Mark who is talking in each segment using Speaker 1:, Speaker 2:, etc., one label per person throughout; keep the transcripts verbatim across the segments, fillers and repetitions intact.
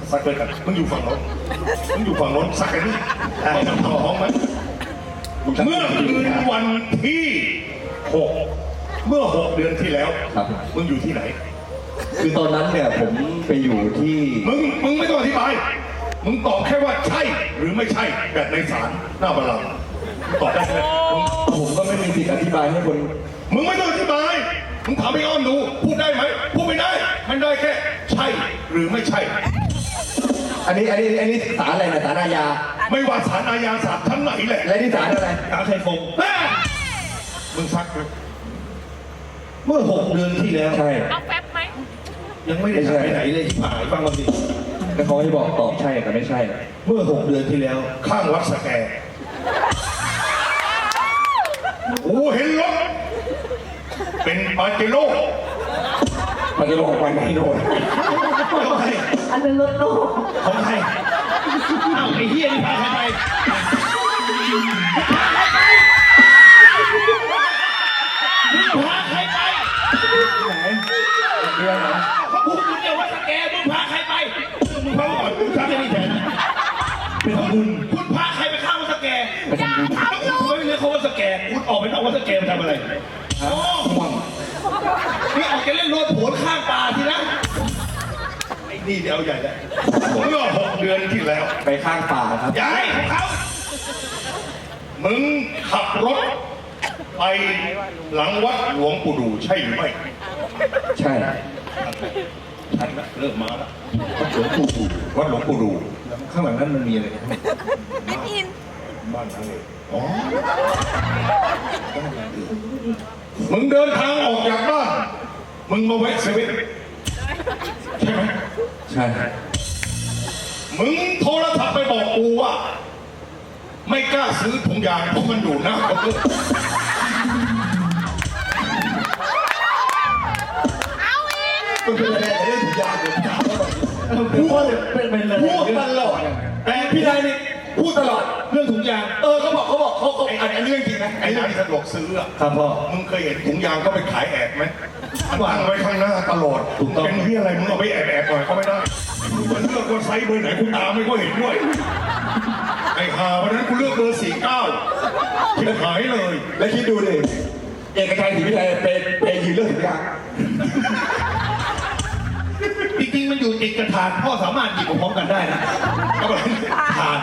Speaker 1: ซักด้วยกันมึงอยู่ฝั่งโน้นมึงอยู่ฝั่งโน้นซักกันนี่มันต่อห้องไหมเมื่อคืนวันที่หกเมื่อหกเดือนที่แล้วมึงอยู่ที่ไหน
Speaker 2: คือตอนนั้นเนี่ยผมไปอยู่ที่
Speaker 1: มึงมึงไม่ต้องอธิบายมึงตอบแค่ว่าใช่หรือไม่ใช่แบบในศาลหน้าบัลลังก์ตอบได้ไหม
Speaker 2: ผมก็ไม่มีสิทธิ์อธิบายให้คน
Speaker 1: มึงไม่ต้องอธิบายมึงถามพี่อ้อมดูพูดได้ไหมพูดไม่ได้มันได้แค่ใช่หรือไม่ใช่
Speaker 2: อันนี้อันนี้อันนี้ศาลอะไรนะศาลอาญา
Speaker 1: ไม่ว่าศาลอาญาศาลชั้นไหนแหละ
Speaker 2: และนี่ศาลอะไร
Speaker 1: ศาลชัยฟงมึงซักไหมเมื่อหกเดือนที่แล้ว
Speaker 2: ใช่
Speaker 3: เอาแป๊บไหม
Speaker 1: ยังไม่ได้ไปไหนเลยที่ผายฟังมาสิ
Speaker 2: แล้วเขาให้บอกตอบใช่กับไม่ใช่
Speaker 1: เมื่อหกเดือนที่แล้วข้างวัดสแกโอ้เห็นรถเป็นปาเจโร่
Speaker 2: ปาเจโร่ของวันไหนโดน
Speaker 1: ของใคร
Speaker 3: อันเป็นรถโลก
Speaker 1: ของใครอ้าวไอ้เฮียนี่พาใครไปมึงพาใครไป
Speaker 2: ไหนเรื่องนะ
Speaker 1: เขาพูดอยู่เนี่ยว่าสแกมึงพาใครไปมึงพาก่อนมึงทำยังไงแทนเป็นคุณคุณพาใครไปข้างวัดสแกอย่าทำลูกไม่เรียกเขาว่าสแกคุณออกไปนอกวัดสแกมาทำอะไรอ๋อนี่ออกจะเล่นรถโผล่ข้างป่าทีนะไอ้นี่เดี๋ยวใหญ่แล้วผมก็หกเดือนที่แล้ว
Speaker 2: ไปข้างป่าครับ
Speaker 1: ใหญ่ของเขามึงขับรถไปหลังวัดหลวงปู่ดูใช่หรือไม่
Speaker 2: ใช่
Speaker 1: ชันละเริ่มมาแล้ววัดหลวงปู่ดูวัดหลวงปู่ดูข้างหลังนั้นมันมีอะไร
Speaker 3: ไม่อิน
Speaker 1: บ้านนั่นเองอ๋อมึงเดินทางออกจากบ้านมึงมาแวะเซเว่นใช่ไหม
Speaker 2: ใช่
Speaker 1: มึงโทรศัพท์ไปบอกกูว่าไม่กล้าซื้อถุงยางเพราะมันอยู่หน้าเคาน์เตอร์
Speaker 3: เอาอีก
Speaker 1: มันเป็นอะไรเรื่องถุงยางเดี๋ยวถามก่อนพูดเป็นเป็นอะไรพูดตลอดแต่พี่นายนี่พูดตลอดเรื่องถุงยางเออเขาบอกเขาบอกเขาเขาอันนี้เรื่องจริงนะไอ้ร้านสะดวกซื้ออะ
Speaker 2: ครับพ่อ
Speaker 1: มึงเคยเห็นถุงยางก็ไปขายแอบไหมวางไว้ข้างหน้าตลอดเป็นที่อะไรมึงเอาไปแอบแอบหน่อยก็ไม่ได้มันเลือกว่าไซส์เบอร์ไหนกูตามไม่ก็เห็นด้วยไอ้ห่าวันนั้นกูเลือกเบอร์สี่เก้าที่หายเลย
Speaker 2: แล้วคิดดูดิเอกชัยศรีวิชัยเป็นเป็นยืนเรื่องถุงยาง
Speaker 1: จริงๆมันอยู่ติดกระถางพ่อสามารถหยิบพร้อมกันได้นะก็แบบถาด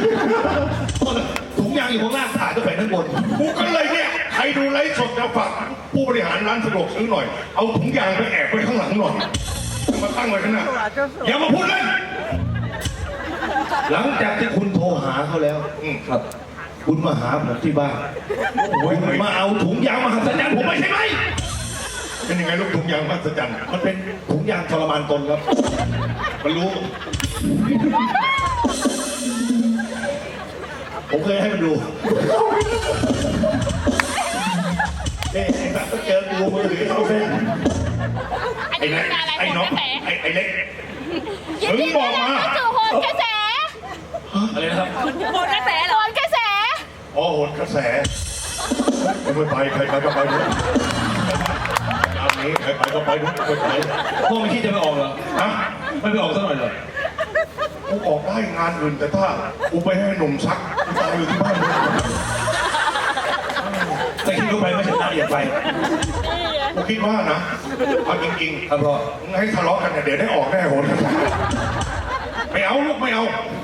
Speaker 1: ถุงยางอยู่ข้างล่างถาดก็แฝงข้างบนกูก็เลยเนี่ยใครดูไลฟ์สดจะฝากผู้บริหารร้านสะดวกซื้อหน่อยเอาถุงยางไปแอบไว้ข้างหลังหน่อยมาตั้งไว้ข้างหน้าอย่ามาพูดเลยหลังจากที่คุณโทรหาเขาแล้ว
Speaker 2: ครับ
Speaker 1: คุณมาหาผมที่บ้านโอ้ยมาเอาถุงยางมาหัศจรรย์ผมไม่ใช่ไหมเป็นยังไงลูกถุงยางมหัศจรรย์มันเป็นถุงยางทรมานตนครับมันรู้ผมเคยให้มันดูเอ๊ะไอ้แบบก็เจอกูมือถือเอาเส้นไอ้เล็กไอ้น้องไอ้ไอ้เล็กมึงบอกมา
Speaker 3: จู่โหนกระแส
Speaker 1: อะไรนะครับ
Speaker 3: โหนกระแสโหนกระแส
Speaker 1: อ๋อโหนกระแสไม่ไปใครไปก็ไปด้วยตามนี้ใครไปก็ไปด้วยไม่ไปพ่อไม่คิดจะไปออกเหรอฮะไม่ไปออกสักหน่อยเหรอกูออกได้งานอื่นแต่ถ้ากูไปให้หนุ่มซักกูตายอยู่ที่บ้านเลยแต่คิดว่าไปไม่ชนะอย่าไปกูคิดว่านะเอาจริงๆครับพ่อให้ทะเลาะกันเนี่ยเดี๋ยวได้ออกแน่โหนไม่เอาลูกไม่เอา